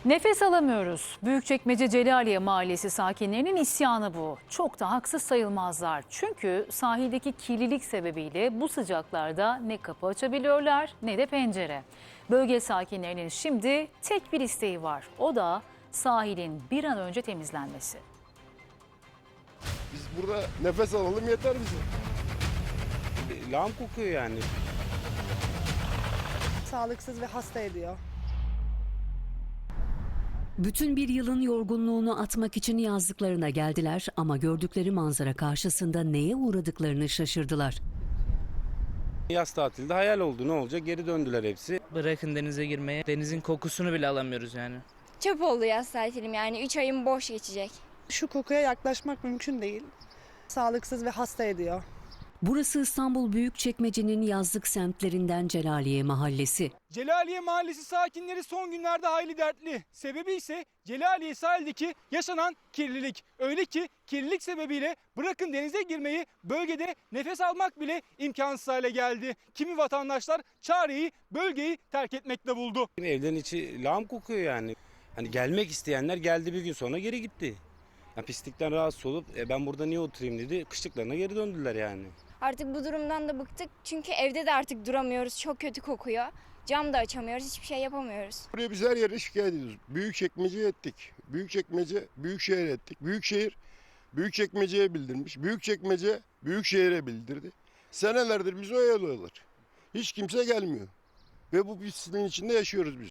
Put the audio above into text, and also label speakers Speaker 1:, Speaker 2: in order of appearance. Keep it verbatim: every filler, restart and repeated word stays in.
Speaker 1: Nefes alamıyoruz. Büyükçekmece Celaliye Mahallesi sakinlerinin isyanı bu. Çok da haksız sayılmazlar. Çünkü sahildeki kirlilik sebebiyle bu sıcaklarda ne kapı açabiliyorlar ne de pencere. Bölge sakinlerinin şimdi tek bir isteği var. O da sahilin bir an önce temizlenmesi.
Speaker 2: Biz burada nefes alalım yeter bize.
Speaker 3: Lağım kokuyor yani.
Speaker 4: Sağlıksız ve hasta ediyor.
Speaker 5: Bütün bir yılın yorgunluğunu atmak için yazlıklarına geldiler ama gördükleri manzara karşısında neye uğradıklarını şaşırdılar.
Speaker 3: Yaz tatilde hayal oldu, ne olacak, geri döndüler hepsi.
Speaker 6: Bırakın denize girmeye, denizin kokusunu bile alamıyoruz yani.
Speaker 7: Çöp oldu yaz tatilim, yani üç ayım boş geçecek.
Speaker 4: Şu kokuya yaklaşmak mümkün değil. Sağlıksız ve hasta ediyor.
Speaker 5: Burası İstanbul Büyükçekmece'nin yazlık semtlerinden Celaliye Mahallesi.
Speaker 8: Celaliye Mahallesi sakinleri son günlerde hayli dertli. Sebebi ise Celaliye sahildeki yaşanan kirlilik. Öyle ki kirlilik sebebiyle bırakın denize girmeyi, bölgede nefes almak bile imkansız hale geldi. Kimi vatandaşlar çareyi bölgeyi terk etmekle buldu.
Speaker 3: Evlerin içi lağım kokuyor yani. Hani gelmek isteyenler geldi, bir gün sonra geri gitti. Ya pislikten rahatsız olup e, ben burada niye oturayım dedi, kışlıklarına geri döndüler yani.
Speaker 7: Artık bu durumdan da bıktık çünkü evde de artık duramıyoruz, çok kötü kokuyor. Cam da açamıyoruz, hiçbir şey yapamıyoruz.
Speaker 2: Buraya biz her yere şikayet ediyoruz. Büyükçekmece'ye ettik. Büyükçekmece, Büyükşehir'e ettik. Büyükşehir, Büyükçekmece'ye bildirmiş. Büyükçekmece, Büyükşehir'e bildirdi. Senelerdir bizi oyalıyorlar. Hiç kimse gelmiyor. Ve bu pisliğin içinde yaşıyoruz biz.